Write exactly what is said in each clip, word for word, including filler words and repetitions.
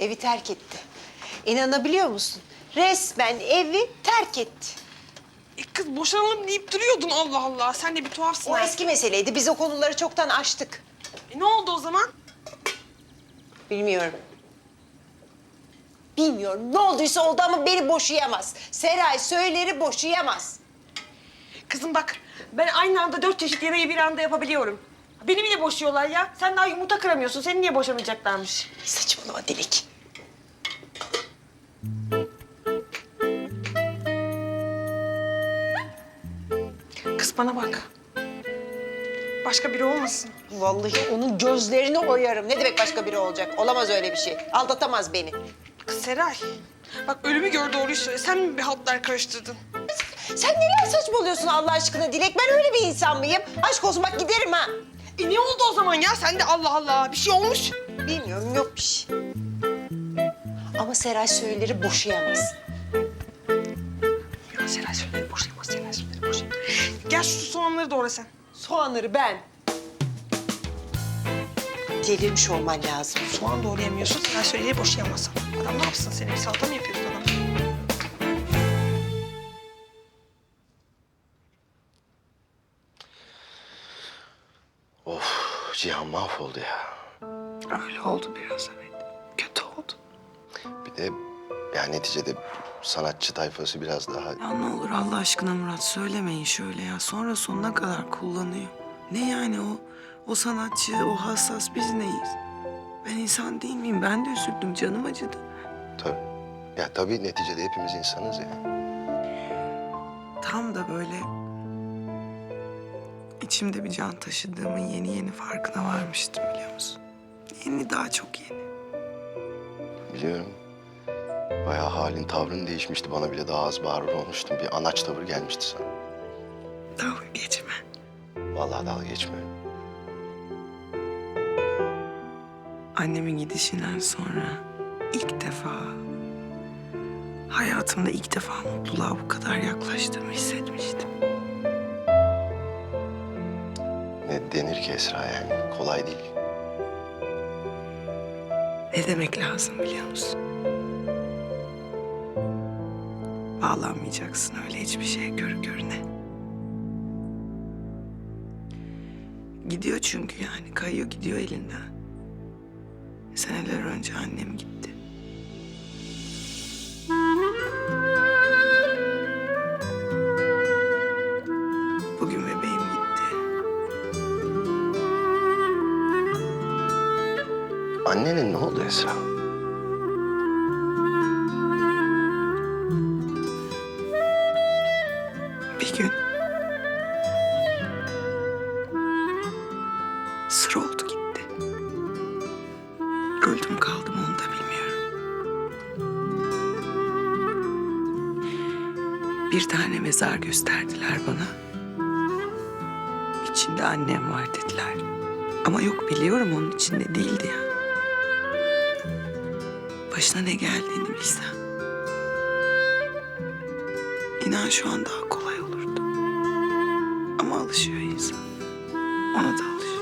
evi terk etti. İnanabiliyor musun? Resmen evi terk etti. E kız boşanalım deyip duruyordun Allah Allah. Sen de bir tuhafsın. O ha. eski meseleydi. Biz o konuları çoktan aştık. E ne oldu o zaman? Bilmiyorum. Bilmiyorum. Ne olduysa oldu ama beni boşayamaz. Seray Söyler'i boşayamaz. Kızım bak ben aynı anda dört çeşit yemeği bir anda yapabiliyorum. Beni bile boşuyorlar ya. Sen daha yumurta kıramıyorsun. Seni niye boşamayacaklarmış? Saçmalama Dilek. Kız bana bak. Başka biri olmasın. Vallahi onun gözlerini oyarım. Ne demek başka biri olacak? Olamaz öyle bir şey. Aldatamaz beni. Kız Seray. Bak ölümü gör doğruyu söyle. Sen mi bir haltlar karıştırdın? Sen neler saçmalıyorsun Allah aşkına Dilek? Ben öyle bir insan mıyım? Aşk olsun bak giderim ha. E ne oldu o zaman ya? Sen de Allah Allah. Bir şey olmuş. Bilmiyorum yok bir şey. Ama Seray Söyler'i boşayamaz. Ya Seray söyle boşayamaz. Seray söyle boşayamaz. Gel şu soğanları doğra sen. Soğanları ben. Delirmiş olman lazım. Soğan doğrayamıyorsun. Seray söyleyi boşayamazsın. Adam ne yapsın seni? Bir salata mı yapıyorsun adam? Of, Cihan mahvoldu ya. Öyle oldu biraz evet. Kötü oldu. Bir de yani neticede sanatçı tayfası biraz daha... Ya ne olur Allah aşkına Murat söylemeyin şöyle ya. Sonra sonuna kadar kullanıyor. Ne yani o o sanatçı, o hassas biz neyiz? Ben insan değil miyim? Ben de üzüldüm, canım acıdı. Tabii. Ya tabii neticede hepimiz insanız ya. Tam da böyle içimde bir can taşıdığımın yeni yeni farkına varmıştım biliyor musun? Yeni, daha çok yeni. Biliyorum. Bayağı halin, tavrın değişmişti. Bana bile daha az bağırır olmuştun. Bir anaç tavır gelmişti sana. Dalga geçme. Vallahi dalga geçmiyorum. Annemin gidişinden sonra ilk defa hayatımda ilk defa mutluluğa bu kadar yaklaştığımı hissetmiştim. Ne denir ki Esra yani? Kolay değil. Ne demek lazım biliyor musun? Bağlanmayacaksın öyle hiçbir şeye görü görüne. Gidiyor çünkü yani kayıyor gidiyor elinden. Seneler önce annem gitti. Bugün bebeğim gitti. Annenin ne oldu Esra? Bir gün sır oldu gitti. Öldüm kaldım onu da bilmiyorum. Bir tane mezar gösterdiler bana. İçinde annem var dediler. Ama yok biliyorum onun içinde değildi ya. Başına ne geldiğini bilsem. İnan şu an daha kolay olurdu. Ama alışıyor insan. Ona da alışıyor.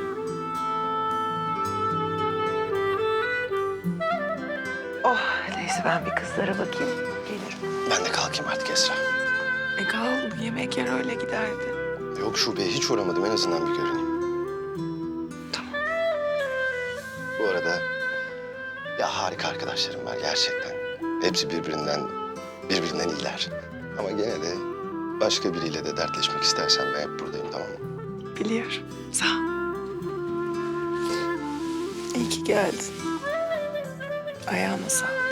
Oh neyse ben bir kızlara bakayım. Gelirim. Ben de kalkayım artık Esra. E kal yemek yer öyle giderdi. Yok şubeye hiç uğramadım. En azından bir görüneyim. Tamam. Bu arada ya harika arkadaşlarım var gerçekten. Hepsi birbirinden birbirinden iyiler. Ama gene de başka biriyle de dertleşmek istersen ben hep buradayım, tamam mı? Biliyorum. Sağ ol. İyi ki geldin. Ayağına sağlık.